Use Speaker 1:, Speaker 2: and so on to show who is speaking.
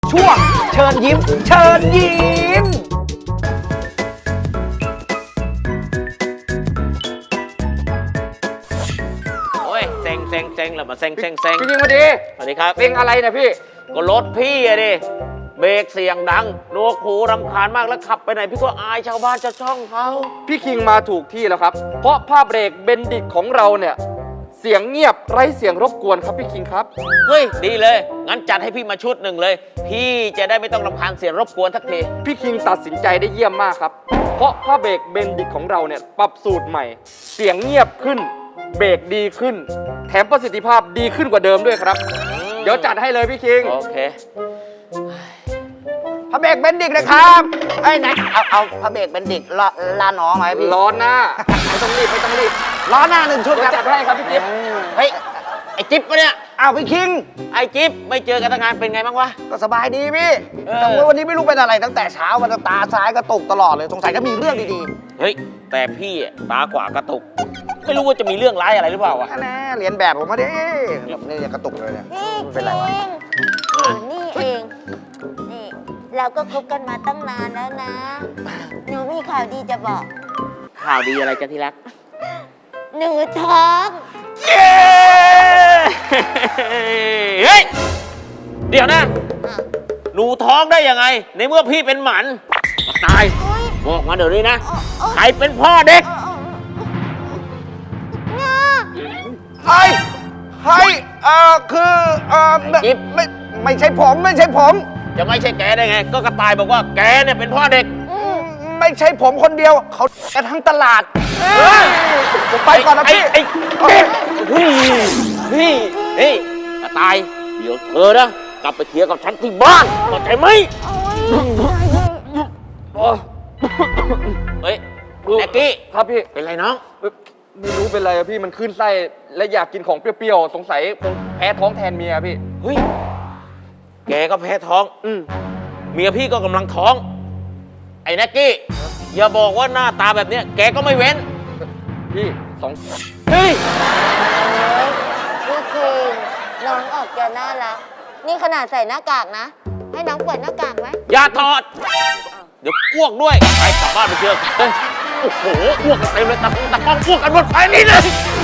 Speaker 1: ช่วงเชิญยิ้มเชิญยิ้ม
Speaker 2: โอ้ยเซ็งแล้วมาเซ็ง
Speaker 1: พี่ยิงมาดี
Speaker 2: สวัสดีครับ
Speaker 1: เพลงอะไรนะพี่
Speaker 2: ก็รถพี่อะดิเบรกเสียงดังหนวกหูรำคาญมากแล้วขับไปไหนพี่ก็อายชาวบ้านชาวช่องเขา
Speaker 1: พี่คิงมาถูกที่แล้วครับเพราะผ้าเบรกเบนดิกของเราเนี่ยเสียงเงียบไร้เสียงรบกวนครับพี่คิงครับ
Speaker 2: เฮ้ยดีเลยงั้นจัดให้พี่มาชุดหนึ่งเลยพี่จะได้ไม่ต้องรำคาญเสียงรบกวนทักที
Speaker 1: พี่คิงตัดสินใจได้เยี่ยมมากครับเพราะผ้าเบรกเบนดิกของเราเนี่ยปรับสูตรใหม่ เสียงเงียบขึ้นเบรกดีขึ้นแถมประสิทธิภาพดีขึ้นกว่าเดิมด้วยครับเดี๋ยวจัดให้เลยพี่คิง
Speaker 2: โอเค
Speaker 3: พระเบรกเบนดิกนะครับไอ้ไหนเอาพระเบรกเบนดิกลาน้องไหมพี่
Speaker 1: ร้อนหน้าไม่ต้องรีบ
Speaker 3: ล้อหน้า1 ชุด
Speaker 1: เดี๋
Speaker 3: ค
Speaker 1: ยว
Speaker 3: รับ
Speaker 1: จัดให้ครับพี่จิ๊บ
Speaker 2: เฮ้ยไอ้จิ๊บปะเนี่ย
Speaker 3: อ้าวพี่คิง
Speaker 2: ไอ้จิ๊บไม่เจอกันตั้งนานเป็นไงบ้างวะ
Speaker 3: ก็สบายดีพี่
Speaker 2: เออ
Speaker 3: แต่ว่าวันนี้ไม่รู้เป็นอะไรตั้งแต่เช้ามันตาซ้ายกระตุกตลอดเลยสงสัยก็มีเรื่องดี
Speaker 2: เฮ้ยแต่พี่อะตาขวากระตุก ไม่รู้ว่าจะมีเรื่องร้ายอะไรหรือเปล่าวะ
Speaker 3: ๆแน่เรียนแบบผมมาดินี่กระตุกเลยเนี่ย
Speaker 4: นี่
Speaker 3: เป็นไรวะ
Speaker 4: นี่เอง นี่ เราก็คบกันมาตั้งนานแล้วนะ หนูมีข่าวดีจะบอก
Speaker 2: ข่าวดีอะไรจ๊ะที่รัก
Speaker 4: หนูท้อง
Speaker 2: เย้เฮ้ย เดี๋ยวนะ
Speaker 4: อ่ะ
Speaker 2: หนูท้องได้ยังไง ในเมื่อพี่เป็นหมันตาย
Speaker 4: โอ๊ย
Speaker 2: บอกมาเดี๋ยวนี้นะ
Speaker 4: โอ๊ย
Speaker 2: ใครเป็นพ่อเด็ก
Speaker 4: เนี่ย
Speaker 3: เฮ้ยคือ
Speaker 2: จิ๊บ
Speaker 3: ไม่ใช่ผมไม่ใช่ผม
Speaker 2: จะไม่ใช่แกได้ไง ก็กระต่ายบอกว่าแกเนี่ยเป็นพ่อเด็ก
Speaker 3: ไม่ใช่ผมคนเดียวเขากันทั้งตลาดผมไปก่อนนะพี่
Speaker 2: ไอ้จิ๊บพี่กระต่ายเดี๋ยวเธอนะกลับไปเคลียร์กับฉันที่บ้านเข้าใจไหม
Speaker 4: โอ๊ย
Speaker 2: เฮ้ยแอ็กกี้
Speaker 1: ครับพี่
Speaker 2: เป็นไรน้อง
Speaker 1: ไม่รู้เป็นไรอะพี่มันขึ้นไส้และอยากกินของเปรี้ยวๆสงสัยคงแพ้ท้องแทนเมียพี่
Speaker 2: เฮ้ย แกก็แพ้ท้อง เมียพี่ก็กำลังท้อง ไอ้แน็กกี้ อย่าบอกว่าหน้าตาแบบเนี้ยแกก็ไม่เว้น
Speaker 1: พี่สอง
Speaker 2: เฮ้ย
Speaker 4: พี่คิงน้องออกจะน่ารัก นี่ขนาดใส่หน้ากากนะ ให้น้องเปิดหน้ากากไหม
Speaker 2: อย่าถอด เดี๋ยวอ้วกด้วย ไปกลับบ้านไปเจอเฮ้ยโอ้โห อ้วกกันเต็มเลยตะกล้องอ้วกกันหมดไปนี่เลย